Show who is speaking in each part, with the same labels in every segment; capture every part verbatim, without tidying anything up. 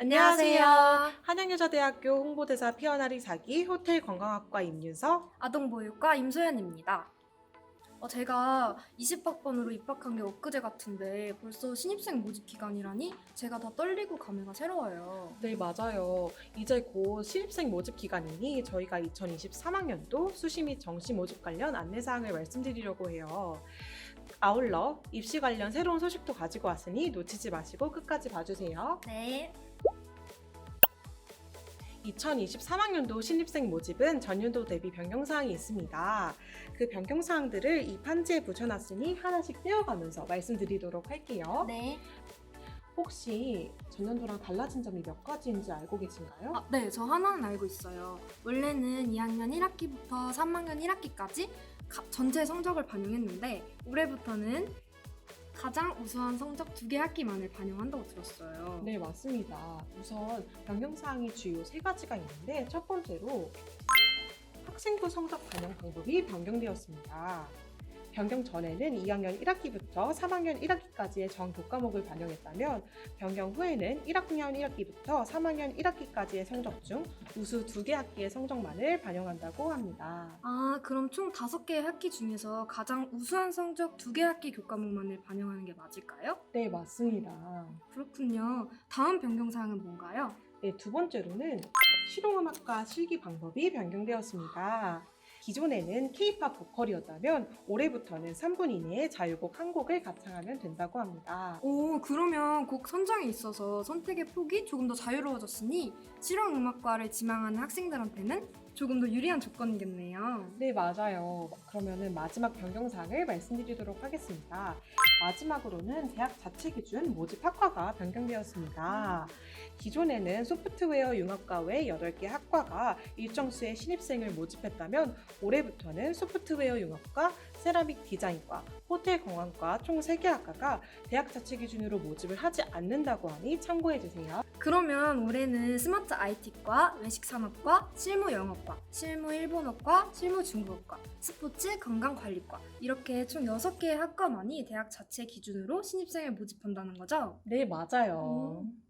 Speaker 1: 안녕하세요.
Speaker 2: 한양여자대학교 홍보대사 피어나리 사기 호텔관광학과 임윤서.
Speaker 1: 아동보육과 임소연입니다. 어, 제가 이십 학번으로 입학한 게 엊그제 같은데 벌써 신입생 모집 기간이라니 제가 더 떨리고 감회가 새로워요.
Speaker 2: 네, 맞아요. 이제 곧 신입생 모집 기간이니 저희가 이천이십삼 학년도 수시 및 정시 모집 관련 안내사항을 말씀드리려고 해요. 아울러 입시 관련 새로운 소식도 가지고 왔으니 놓치지 마시고 끝까지 봐주세요.
Speaker 1: 네.
Speaker 2: 이천이십삼 학년도 신입생 모집은 전년도 대비 변경사항이 있습니다. 그 변경사항들을 이 판지에 붙여놨으니 하나씩 떼어가면서 말씀드리도록 할게요.
Speaker 1: 네.
Speaker 2: 혹시 전년도랑 달라진 점이 몇 가지인지 알고 계신가요?
Speaker 1: 아, 네, 저 하나는 알고 있어요. 원래는 이 학년 일 학기부터 삼 학년 일 학기까지 가, 전체 성적을 반영했는데 올해부터는 가장 우수한 성적 두 개 학기만을 반영한다고 들었어요.
Speaker 2: 네, 맞습니다. 우선 변경사항이 주요 세 가지가 있는데 첫 번째로 학생부 성적 반영 방법이 변경되었습니다. 변경 전에는 이 학년 일 학기부터 삼 학년 일 학기까지의 전 교과목을 반영했다면 변경 후에는 일 학년 일 학기부터 삼 학년 일 학기까지의 성적 중 우수 두 개 학기의 성적만을 반영한다고 합니다.
Speaker 1: 아, 그럼 총 다섯 개의 학기 중에서 가장 우수한 성적 두 개 학기 교과목만을 반영하는 게 맞을까요?
Speaker 2: 네, 맞습니다.
Speaker 1: 그렇군요. 다음 변경사항은 뭔가요?
Speaker 2: 네, 두 번째로는 실용음악과 실기 방법이 변경되었습니다. 기존에는 케이팝 보컬이었다면 올해부터는 삼 분 이내에 자유곡 한 곡을 가창하면 된다고 합니다.
Speaker 1: 오, 그러면 곡 선정에 있어서 선택의 폭이 조금 더 자유로워졌으니 실용음악과를 지망하는 학생들한테는 조금 더 유리한 조건이겠네요.
Speaker 2: 네, 맞아요. 그러면은 마지막 변경사항을 말씀드리도록 하겠습니다. 마지막으로는 대학 자체 기준 모집 학과가 변경되었습니다. 기존에는 소프트웨어 융합과 외 여덟 개 학과가 일정 수의 신입생을 모집했다면 올해부터는 소프트웨어 융합과, 세라믹 디자인과, 호텔 관광과 총 세 개 학과가 대학 자체 기준으로 모집을 하지 않는다고 하니 참고해주세요.
Speaker 1: 그러면 올해는 스마트 아이티과, 외식산업과, 실무영어과, 실무일본어과, 실무중국어과, 스포츠 건강관리과 이렇게 총 여섯 개의 학과만이 대학 자체 기준으로 신입생을 모집한다는 거죠?
Speaker 2: 네, 맞아요.
Speaker 1: 음.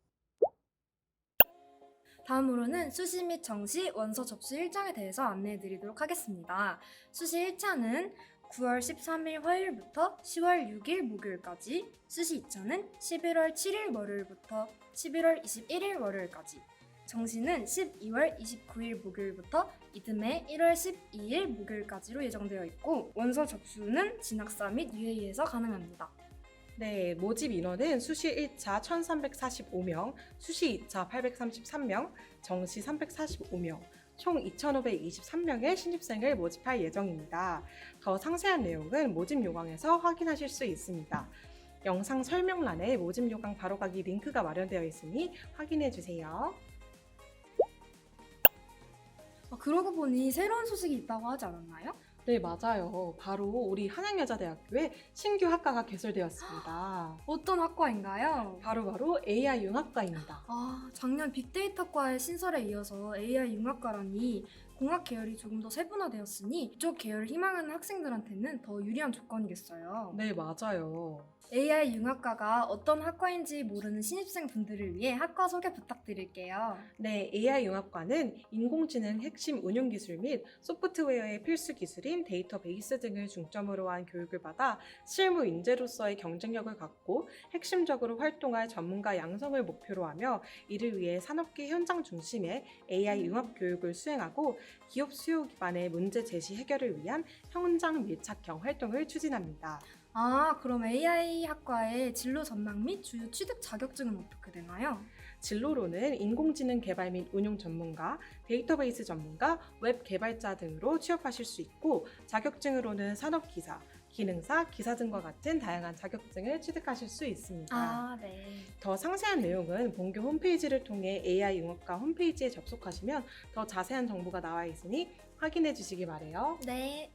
Speaker 1: 다음으로는 수시 및 정시 원서 접수 일정에 대해서 안내해 드리도록 하겠습니다. 수시 일 차는 구월 십삼 일 화요일부터 시월 육 일 목요일까지, 수시 이 차는 십일월 칠 일 월요일부터 십일월 이십일 일 월요일까지, 정시는 십이월 이십구 일 목요일부터 이듬해 일월 십이 일 목요일까지로 예정되어 있고 원서 접수는 진학사 및 유에이에서 가능합니다.
Speaker 2: 네, 모집 인원은 수시 일 차 천삼백사십오 명, 수시 이 차 팔백삼십삼 명, 정시 삼백사십오 명, 총 이천오백이십삼 명의 신입생을 모집할 예정입니다. 더 상세한 내용은 모집 요강에서 확인하실 수 있습니다. 영상 설명란에 모집 요강 바로가기 링크가 마련되어 있으니 확인해 주세요.
Speaker 1: 아, 그러고 보니 새로운 소식이 있다고 하지 않았나요?
Speaker 2: 네, 맞아요. 바로 우리 한양여자대학교에 신규 학과가 개설되었습니다.
Speaker 1: 어떤 학과인가요?
Speaker 2: 바로바로 에이아이 융합과입니다.
Speaker 1: 아, 작년 빅데이터과의 신설에 이어서 에이아이 융합과라니 공학 계열이 조금 더 세분화되었으니 이쪽 계열을 희망하는 학생들한테는 더 유리한 조건이겠어요.
Speaker 2: 네, 맞아요.
Speaker 1: 에이아이 융합과가 어떤 학과인지 모르는 신입생분들을 위해 학과 소개 부탁드릴게요.
Speaker 2: 네, 에이아이 융합과는 인공지능 핵심 운용 기술 및 소프트웨어의 필수 기술인 데이터베이스 등을 중점으로 한 교육을 받아 실무 인재로서의 경쟁력을 갖고 핵심적으로 활동할 전문가 양성을 목표로 하며 이를 위해 산업계 현장 중심의 에이아이 융합 교육을 수행하고 기업 수요 기반의 문제 제시 해결을 위한 현장 밀착형 활동을 추진합니다.
Speaker 1: 아, 그럼 에이아이 학과의 진로 전망 및 주요 취득 자격증은 어떻게 되나요?
Speaker 2: 진로로는 인공지능 개발 및 운용 전문가, 데이터베이스 전문가, 웹 개발자 등으로 취업하실 수 있고 자격증으로는 산업기사, 기능사, 기사 등과 같은 다양한 자격증을 취득하실 수 있습니다.
Speaker 1: 아, 네.
Speaker 2: 더 상세한 내용은 본교 홈페이지를 통해 에이아이 융합과 홈페이지에 접속하시면 더 자세한 정보가 나와 있으니 확인해 주시기 바래요.
Speaker 1: 네.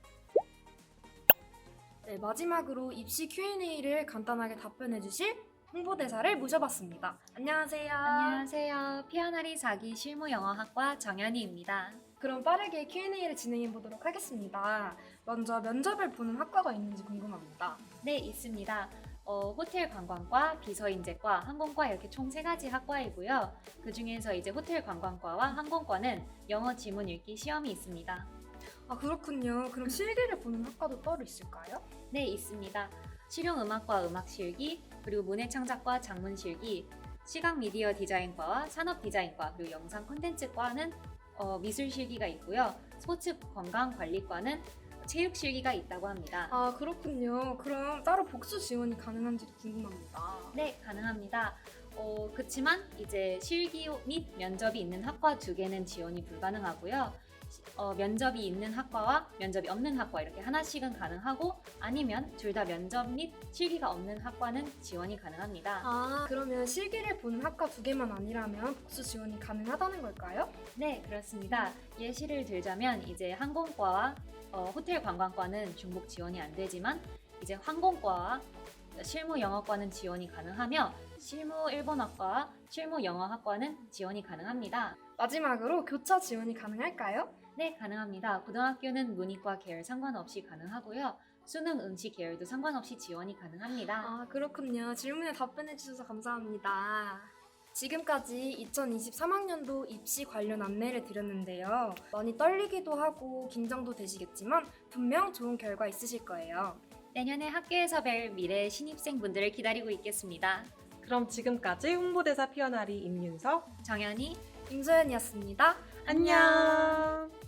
Speaker 1: 네, 마지막으로 입시 큐앤에이를 간단하게 답변해 주실 홍보대사를 모셔봤습니다. 안녕하세요.
Speaker 3: 안녕하세요. 피어나리 사기 실무영어학과 정연희입니다.
Speaker 1: 그럼 빠르게 큐앤에이를 진행해 보도록 하겠습니다. 먼저 면접을 보는 학과가 있는지 궁금합니다.
Speaker 3: 네, 있습니다. 어, 호텔 관광과, 비서인재과, 항공과 이렇게 총 세 가지 학과이고요. 그 중에서 이제 호텔 관광과와 항공과는 영어 지문 읽기 시험이 있습니다.
Speaker 1: 아, 그렇군요. 그럼 실기를 보는 학과도 따로 있을까요?
Speaker 3: 네, 있습니다. 실용음악과 음악실기, 그리고 문해창작과 장문실기, 시각 미디어 디자인과와 산업디자인과, 그리고 영상 콘텐츠과는 어, 미술실기가 있고요. 스포츠 건강관리과는 체육실기가 있다고 합니다.
Speaker 1: 아, 그렇군요. 그럼 따로 복수 지원이 가능한지도 궁금합니다.
Speaker 3: 네, 가능합니다. 어, 그렇지만 이제 실기 및 면접이 있는 학과 두 개는 지원이 불가능하고요. 시- 어, 면접이 있는 학과와 면접이 없는 학과 이렇게 하나씩은 가능하고, 아니면 둘 다 면접 및 실기가 없는 학과는 지원이 가능합니다.
Speaker 1: 아, 그러면 실기를 보는 학과 두 개만 아니라면 복수 지원이 가능하다는 걸까요?
Speaker 3: 네, 그렇습니다. 예시를 들자면 이제 항공과와 어, 호텔 관광과는 중복 지원이 안 되지만, 이제 항공과와 실무 영어과는 지원이 가능하며, 실무 일본어과와 실무 영어학과는 지원이 가능합니다.
Speaker 1: 마지막으로 교차 지원이 가능할까요?
Speaker 3: 네, 가능합니다. 고등학교는 문이과 계열 상관없이 가능하고요. 수능 응시 계열도 상관없이 지원이 가능합니다.
Speaker 1: 아, 그렇군요. 질문에 답변해 주셔서 감사합니다. 지금까지 이천이십삼 학년도 입시 관련 안내를 드렸는데요. 많이 떨리기도 하고 긴장도 되시겠지만 분명 좋은 결과 있으실 거예요.
Speaker 3: 내년에 학교에서 뵐 미래 신입생분들을 기다리고 있겠습니다.
Speaker 2: 그럼 지금까지 홍보대사 피어나리 임윤석
Speaker 3: 정연이
Speaker 1: 임소연이었습니다.
Speaker 2: 안녕.